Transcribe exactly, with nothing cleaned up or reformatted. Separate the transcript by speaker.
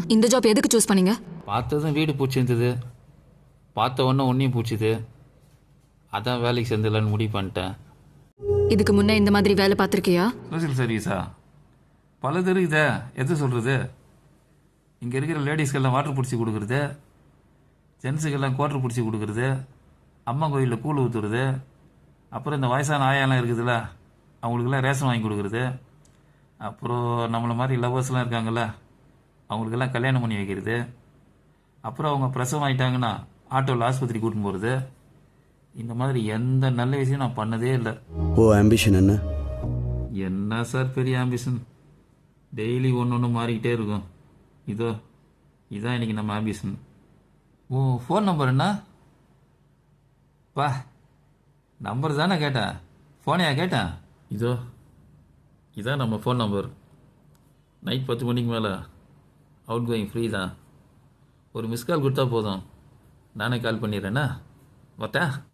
Speaker 1: இந்த ஜாப் எதுக்கு சூஸ் பண்ணீங்க?
Speaker 2: பார்த்ததும் வீடு பிடிச்சிருந்தது, பார்த்த உடனே ஒன்றையும் பிடிச்சிது, அதான் வேலைக்கு சேர்ந்துடலான்னு முடிவு பண்ணிட்டேன்.
Speaker 1: இதுக்கு முன்னே இந்த மாதிரி வேலை பார்த்துருக்கியா?
Speaker 2: சோசியல் சர்வீஸா? பலது இருக்குதே, எது சொல்கிறது? இங்கே இருக்கிற லேடிஸ்க்கெல்லாம் வாட்டர் பிடிச்சி கொடுக்குறது, ஜென்ஸுக்கெல்லாம் குவாட்டர் பிடிச்சி கொடுக்குறது, அம்மா கோயிலில் கூழ் ஊற்றுறது, அப்புறம் இந்த வயசான ஆயாலாம் இருக்குதுல்ல, அவங்களுக்கெல்லாம் ரேஷன் வாங்கி கொடுக்குறது, அப்புறம் நம்மளை மாதிரி லவ்வர்ஸ்லாம் இருக்காங்கள்ல, அவங்களுக்கெல்லாம் கல்யாணம் பண்ணி வைக்கிறது, அப்புறம் அவங்க பிரசவம் ஆகிட்டாங்கன்னா ஆட்டோவில் ஆஸ்பத்திரி கூட்டின்னு போகிறது. இந்த மாதிரி எந்த நல்ல விஷயம் நான் பண்ணதே இல்லை.
Speaker 3: ஓ ஆம்பிஷன் என்ன?
Speaker 2: என்ன சார் பெரிய ஆம்பிஷன், டெய்லி ஒன்று ஒன்று மாறிக்கிட்டே இருக்கும். இதோ இதான் இன்னைக்கு நம்ம ஆம்பிஷன். ஓ ஃபோன் நம்பர் என்ன? பா நம்பர் தானே கேட்டேன், ஃபோனையா கேட்டேன்? இதோ இதான் நம்ம ஃபோன் நம்பர். நைட் பத்து மணிக்கு மேலே அவுட் கோயிங் ஃப்ரீ தான். ஒரு மிஸ் கால் கொடுத்தா போதும், நானே கால் பண்ணிடுறேண்ணா. பார்த்தா